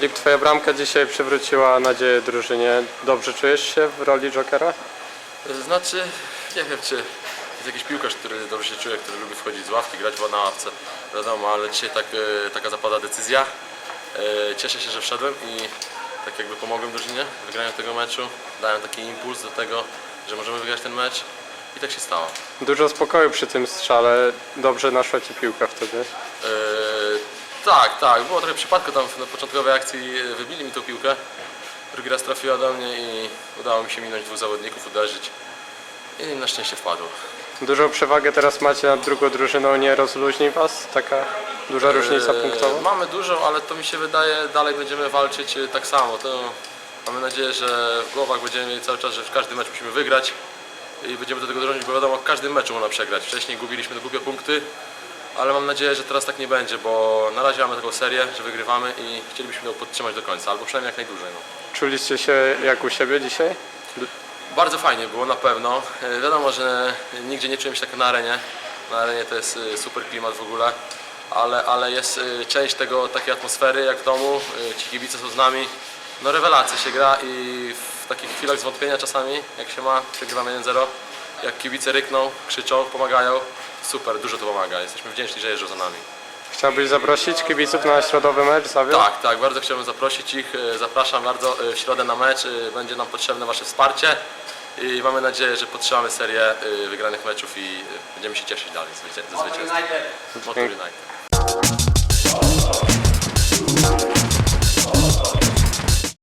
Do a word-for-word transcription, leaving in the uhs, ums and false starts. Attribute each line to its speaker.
Speaker 1: Filip, twoja bramka dzisiaj przywróciła nadzieję drużynie. Dobrze czujesz się w roli jokera?
Speaker 2: Znaczy, nie wiem, czy jest jakiś piłkarz, który dobrze się czuje, który lubi wchodzić z ławki, grać na ławce, wiadomo, ale dzisiaj tak, e, taka zapada decyzja. E, Cieszę się, że wszedłem i tak jakby pomogłem drużynie w wygraniu tego meczu. Dałem taki impuls do tego, że możemy wygrać ten mecz i tak się stało.
Speaker 1: Dużo spokoju przy tym strzale. Dobrze naszła ci piłka wtedy.
Speaker 2: E, tak, tak, było trochę przypadku tam na początkowej akcji, wybili mi tą piłkę. Drugi raz trafiła do mnie i udało mi się minąć dwóch zawodników, uderzyć i na szczęście wpadło.
Speaker 1: Dużą przewagę teraz macie nad drugą drużyną, nie rozluźni was taka duża różnica
Speaker 2: Eee,
Speaker 1: punktowa?
Speaker 2: Mamy dużą, ale to mi się wydaje, dalej będziemy walczyć e, tak samo. To mamy nadzieję, że w głowach będziemy mieli cały czas, że w każdym meczu musimy wygrać i będziemy do tego dążyć, bo wiadomo, w każdym meczu można przegrać. Wcześniej gubiliśmy te głupie punkty, ale mam nadzieję, że teraz tak nie będzie, bo na razie mamy taką serię, że wygrywamy i chcielibyśmy ją podtrzymać do końca, albo przynajmniej jak najdłużej. No.
Speaker 1: Czuliście się jak u siebie dzisiaj?
Speaker 2: Bardzo fajnie było na pewno. E, Wiadomo, że nigdzie nie czułem się tak na arenie. Na arenie to jest e, super klimat w ogóle, ale, ale jest e, część tego, takiej atmosfery jak w domu. E, Ci kibice są z nami. No rewelacja się gra i w takich chwilach zwątpienia czasami, jak się ma, przegrywamy jeden zero, jak kibice rykną, krzyczą, pomagają, super, dużo to pomaga. Jesteśmy wdzięczni, że jeżdżą za nami.
Speaker 1: Chciałbyś zaprosić kibiców na środowy mecz Zawiał?
Speaker 2: Tak, tak, bardzo chciałbym zaprosić ich. E, Zapraszam bardzo e, w środę na mecz. E, Będzie nam potrzebne Wasze wsparcie i mamy nadzieję, że podtrzymamy serię e, wygranych meczów i e, będziemy się cieszyć dalej ze zwycięstwa. Motor United.